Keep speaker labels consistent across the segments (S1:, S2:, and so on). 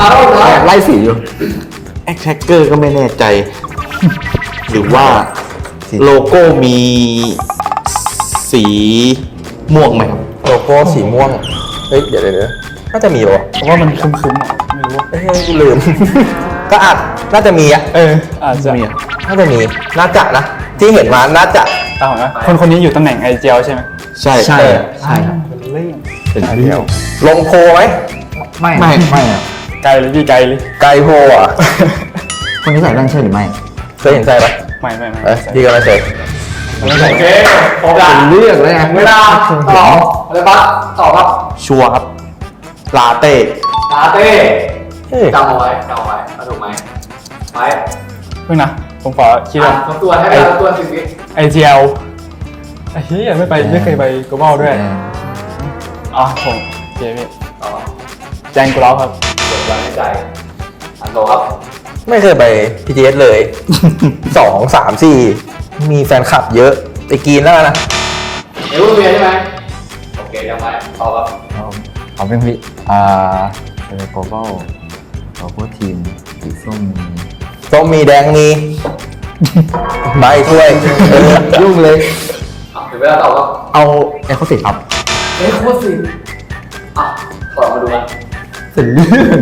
S1: ไล่สีอยู่แอคแท็กเกอร์ก็ไม่แน่ใจ หรือว่าโลโก้มีสีม่วงไหมครับ
S2: โลโก้สีม่วงเฮ้ยเดี๋ยวน่าจะมีป่ะ
S3: เพราะว่ามันคึมๆอ่ะไม่รู้
S2: เฮ้ยกูลืม ก็อาจน่าจะมีอ่ะ
S3: อาจจะ
S1: มีอ่ะ
S2: น่าจะมีน่าจะนะที่เห็นมาน่าจะ
S3: ตามนะคนนี้อยู่ตำแหน่งไอเจลใช่ไหม
S1: ใช่
S2: ใช่
S1: ครับ
S3: เล่น
S1: เป็นเรื่อง
S2: ลงโพลไหม
S1: ไม่อะ
S3: ไกลเลยพี่ไกลเลย
S2: ไกลโพลอ่ะ
S1: คนนี้ใส่แว่นใช่หรือไม่
S2: เคยเห็นใช่ปะ
S3: ไม่
S2: เอ้ยพี่ก็ไม่เคย
S3: โอเคครบละ
S1: เป็นเรื่องเลยไง
S3: เวลาตอบอะไรบ้างตอบครับ
S1: ชัวร์ครับลาเต้
S3: ลาเต้
S2: เฮ้ย
S3: จำเอาไว้เอาถูกไหมไปเพิ่งนะผมขอคิดว่า
S4: ทบทวนให้เวลาทบทวน10 วิ
S3: ไอเจลไอ้เหี้ยไม่เคยไป global ด้วยอ๋อผมเจมี่
S4: ต่อ
S3: แจงกูแล้วครับ
S4: เปิดวันให้ใจอันโตครับ
S2: ไม่เคยไป PGS เลย 2 3 4 มีแฟนคลับเยอะไปกินแล้วนะ
S4: เอเวอร์เวียใช่ไหมโอเคยังไงต่อครับ
S1: เอาเป็นพี่เป็นโกลบอลเราพวกทีมสีส้ม
S2: ส้มมีแดงมีใบถ้วย
S1: ยุ่งเลย
S4: ถึงเวลาตอบครับ
S1: เอาเอ็กซ์โคสิครับ
S4: เอ้ยโคตรสิถอดมาดูกัน
S1: เป็นเรื่อง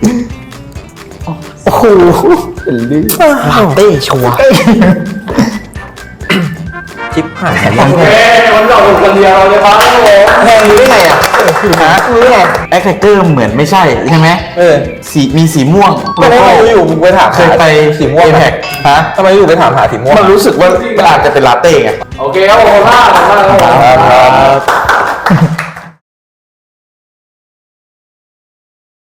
S1: โอ้โหเป็นเรื่องลาเต้ชัวร์
S2: ชิปหาย
S4: โอเควันนี้เราถูกคนเดียวเลยครับผม
S2: แพงรู้ได้ไงอ่ะฮะรู้ได้ไง
S1: แอคแท็กเกอร์เหมือนไม่ใช่ใช่ไหม สีมีสีม่วง
S2: ไม่ได้รู้อยู่มึงไปถาม
S1: เคยไป
S2: สีม่วง
S1: APEC
S2: ฮะทำไมอยู่ไปถามหาสีม่วง
S1: มันรู้สึกว่ามันอาจจะเป็นลาเต้ไง
S4: โอเคครับผมขอบคุณมาก
S2: ครับ